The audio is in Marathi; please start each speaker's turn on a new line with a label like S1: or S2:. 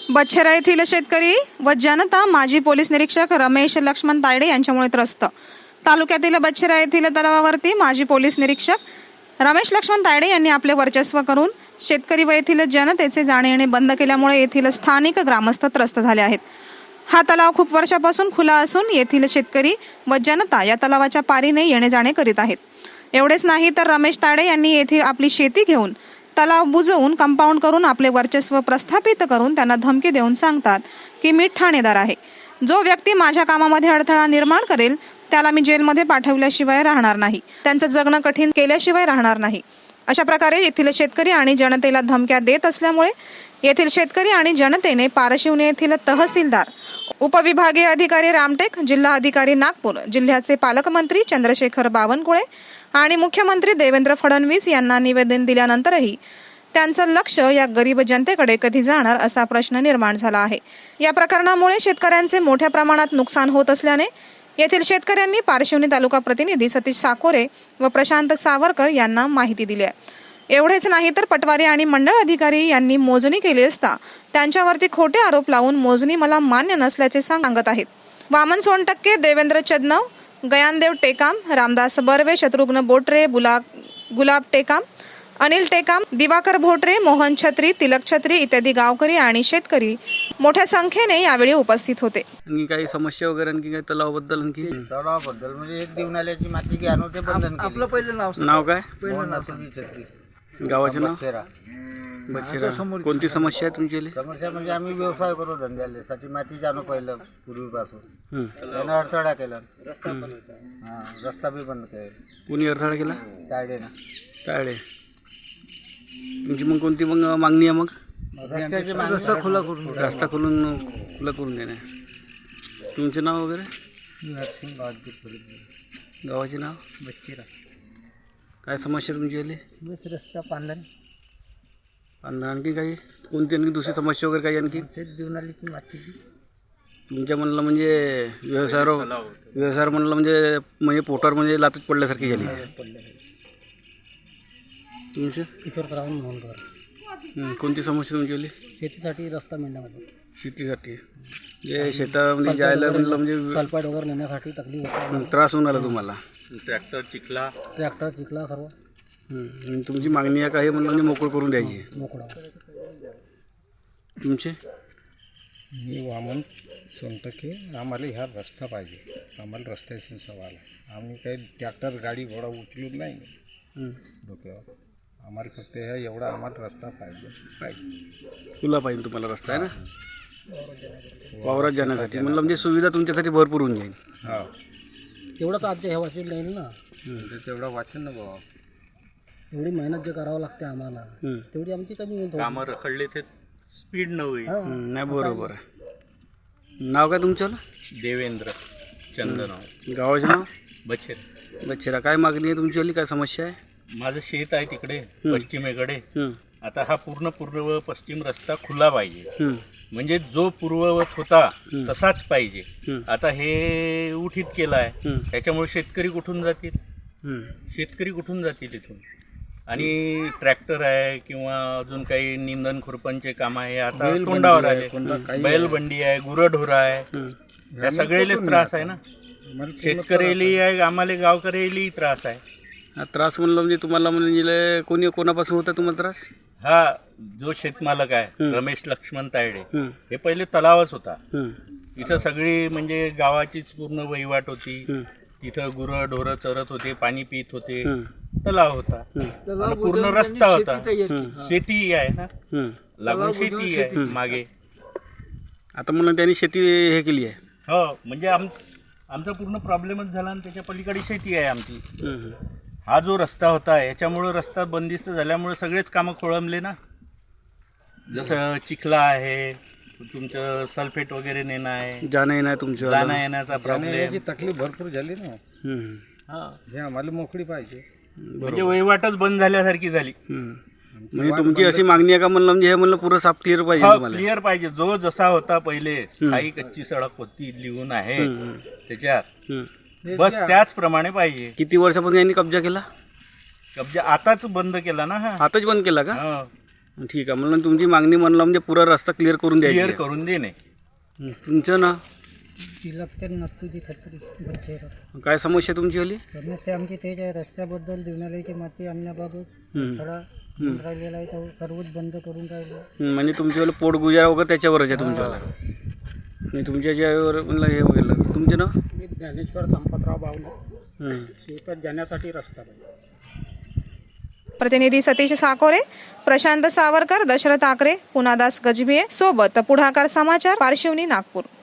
S1: बच्छेरा येथील शेतकरी व जनता माजी पोलीस निरीक्षक रमेश लक्ष्मण तायडे यांच्यामुळे त्रस्त। तालुक्यातील बच्छेरा येथील तलावावरती माजी पोलीस निरीक्षक रमेश लक्ष्मण तायडे यांनी आपले वर्चस्व करून शेतकरी व येथील जनतेचे जाणे येणे बंद केल्यामुळे येथील स्थानिक ग्रामस्थ त्रस्त झाले आहेत। हा तलाव खूप वर्षापासून खुला असून येथील शेतकरी व जनता या तलावाच्या पारीने येणे जाणे करीत आहेत। एवढेच नाही तर रमेश तायडे यांनी येथे आपली शेती घेऊन तलाव बुजवून कंपाऊंड करून आपले वर्चस्व प्रस्थापित करून त्यांना धमकी देऊन सांगतात की मी ठाणेदार आहे। जो व्यक्ती माझ्या कामामध्ये अडथळा निर्माण करेल त्याला मी जेलमध्ये पाठवल्याशिवाय राहणार नाही, त्यांचं जगणं कठीण केल्याशिवाय राहणार नाही। अशा प्रकारे येथील शेतकरी आणि जनतेला धमक्या देत असल्यामुळे येथील शेतकरी आणि जनतेने पारशिवनी येथील तहसीलदार, उपविभागीय अधिकारी रामटेक, जिल्हा अधिकारी नागपूर, जिल्ह्याचे पालकमंत्री चंद्रशेखर बावनकुळे आणि मुख्यमंत्री देवेंद्र फडणवीस यांना निवेदन दिल्यानंतरही त्यांचं लक्ष या गरीब जनतेकडे कधी जाणार असा प्रश्न निर्माण झाला आहे। या प्रकरणामुळे शेतकऱ्यांचे मोठ्या प्रमाणात नुकसान होत असल्याने येथील शेतकऱ्यांनी पारशिवनी तालुका प्रतिनिधी सतीश साकोरे व प्रशांत सावरकर यांना माहिती दिली आहे। एवढेच नाही तर पटवारी आणि मंडळ अधिकारी यांनी मोजणी केली असता त्यांच्यावरती खोटे आरोप लावून मोजणी मला मान्य नसल्याचे सांगत आहेत। वामन सोनटक्के, देवेंद्र चदनव, गयानदेव टेकाम, रामदास बर्वे, शत्रुघ्न बोटरे, गुलाब टेकाम, अनिल टेकाम, दिवाकर भोटरे, मोहन छत्री, तिलक छत्री इत्यादी गावकरी आणि शेतकरी मोठ्या संख्येने यावेळी उपस्थित होते।
S2: आणखी काही समस्या वगैरे आणखी काही तलावाबद्दल आणखी
S3: तलावाबद्दल म्हणजे एक देवनाल्याची माती की आणून ते बंधन केली।
S4: आपलं पहिलं
S2: नाव काय?
S3: मोहन छत्री,
S2: गावाचे नाव?
S3: बच्छेरा।
S2: बच्छेरा। कोणती समस्या आहे तुमची?
S3: समस्या म्हणजे आम्ही व्यवसाय करू धंद्यासाठी माती आणू पहिलं पूर्वीपासून त्यानं अडथळा केला। रस्ता बी बंद केला।
S2: कोणी अडथळा केला?
S3: तायडे
S2: तुमची मग कोणती मग मागणी आहे? मग
S3: रस्त्याची रस्ता खुला करून
S2: रस्ता खुला करून देणे। तुमचे नाव वगैरे?
S3: नरसिंग
S2: गावाचे नाव?
S3: बच्छेरा।
S2: काय समस्या तुमची आली?
S3: बस रस्ता पांढरा
S2: आणखी काही कोणती आणखी दुसरी समस्या वगैरे काही आणखी?
S3: तेच देवनालीची माती
S2: तुमच्या म्हणलं म्हणजे व्यवसायावर म्हणलं म्हणजे पोटावर म्हणजे लातच पडल्यासारखी झाली तुमचं?
S3: किशोर राहून म्हणून
S2: कोणती समस्या तुमची आली?
S3: शेतीसाठी रस्ता मिळण्यामध्ये
S2: शेतीसाठी जे शेतामध्ये जायला म्हणलं म्हणजे
S3: सल्फाईड वगैरे नेण्यासाठी तकलीफ होता,
S2: त्रास होऊन आला तुम्हाला?
S3: ट्रॅक्टर चिखला सर्व।
S2: तुमची मागणी आहे काही म्हणलं म्हणजे मोकळ करून द्यायची
S3: मोकळा।
S2: तुमचे?
S3: मी वामन सोनटके। आम्हाला ह्या रस्ता पाहिजे, आम्हाला रस्त्याशी सवाल आहे। आम्ही काही ट्रॅक्टर गाडी घोडा उचलून नाही डोक्यावर, आम्हाला फक्त ह्या एवढा आम्हाला रस्ता पाहिजे
S2: खुला पाहिजे तुम्हाला रस्ता आहे ना वावरात जाण्यासाठी म्हणलं म्हणजे सुविधा तुमच्यासाठी भरपूर होऊन जाईल।
S3: हा तेवढं तर आमच्या ह्या वाचून नाही ना, तेवढं वाचून ना बाबा, एवढी मेहनत जे करावं लागते आम्हाला तेवढी आमची कमी होईल।
S4: कामं रखडले ते स्पीड न होईल।
S2: नाही बरोबर आहे। नाव काय तुमचं?
S4: देवेंद्र चंदनव।
S2: गावाचे नाव?
S4: बच्छेरा।
S2: काय मागणी आहे तुमची? काय समस्या आहे?
S4: माझं शेत आहे तिकडे पश्चिमेकडे। आता हा पूर्ण पूर्व पश्चिम रस्ता खुला पाहिजे, म्हणजे जो पूर्ववत होता तसाच पाहिजे। आता हे उठीत केला आहे, त्याच्यामुळे शेतकरी कुठून जातील इथून? आणि ट्रॅक्टर आहे किंवा अजून काही निंदन खुरपणचे काम आहे, आता तोंडावर आले। बैलबंडी आहे, गुरंढोरं आहे, त्या सगळेलेच त्रास आहे ना, शेतकऱ्यालाही आहे, आम्हाला गावकऱ्यालाही त्रास आहे।
S2: हा त्रास म्हणलं म्हणजे तुम्हाला म्हणजे कोणापासून होता तुम्हाला त्रास?
S4: हा जो शेतमालक आहे रमेश लक्ष्मण तायडे, हे पहिले तलावच होता, इथं सगळी म्हणजे गावाचीच पूर्ण वहिवाट होती, तिथं गुरं ढोरं चरत होते, पाणी पित होते, तलाव होता, पूर्ण रस्ता होता, शेती आहे ना, लागून शेती आहे मागे।
S2: आता म्हणून त्यांनी शेती हे केली आहे?
S4: हो, म्हणजे आमचा पूर्ण प्रॉब्लेमच झाला आणि त्याच्या पलीकडे शेती आहे आमची। हा जो रस्ता होता याच्यामुळे रस्ता बंदिस्त झाल्यामुळे सगळेच कामं खोळंबले ना, जसं चिखला आहे, तुमचं सल्फेट वगैरे नेणं आहे, जाणं येण्याचा प्रॉब्लेम,
S3: तकलीफ भरपूर झाली ना। हे आम्हाला मोकळी पाहिजे,
S4: म्हणजे वहिवाटच बंद झाल्यासारखी झाली।
S2: म्हणजे तुमची अशी मागणी आहे का म्हणलं म्हणजे हे म्हणलं पुरं साफ क्लिअर पाहिजे तुम्हाला?
S4: क्लिअर पाहिजे, जो जसा होता पहिले स्थायी कच्ची सडक होती लिहून आहे त्याच्यात, बस त्याचप्रमाणे पाहिजे।
S2: किती वर्षापासून यांनी कब्जा केला?
S4: कब्जा आताच बंद केला ना?
S2: आताच बंद केला का? ठीक आहे. म्हणून तुमची मागणी म्हणलं म्हणजे पुरा रस्ता क्लिअर करून द्यायची
S4: क्लिअर
S2: आहे.
S4: करून देणे.
S2: तुमचं ना
S5: तिलकते नक्की छत्री बच्चे
S2: काय समस्या तुमची वाली?
S5: समस्या आमची तेच आहे. रस्त्याबद्दल देवनालयाची माती आणण्याबाबत थोडा राहिलेला आहे, तो सर्वच बंद करून राहिलो.
S2: म्हणजे तुमच्यावाला पोट गुजारा वगैरे त्याच्यावरच आहे तुमच्यावाला. आणि तुमच्या ज्यावर म्हणलं हे वगैरे तुमचे ना
S5: मी ज्ञानेश्वर संपतराव बावले, शेतात जाण्यासाठी रस्ता पाहिजे.
S1: प्रतिनिधी सतीश साकोरे, प्रशांत सावरकर, दशरथ आकरे, पुनादास गजभिये सोबत पुढाकार समाचार, पारशिवनी, नागपूर.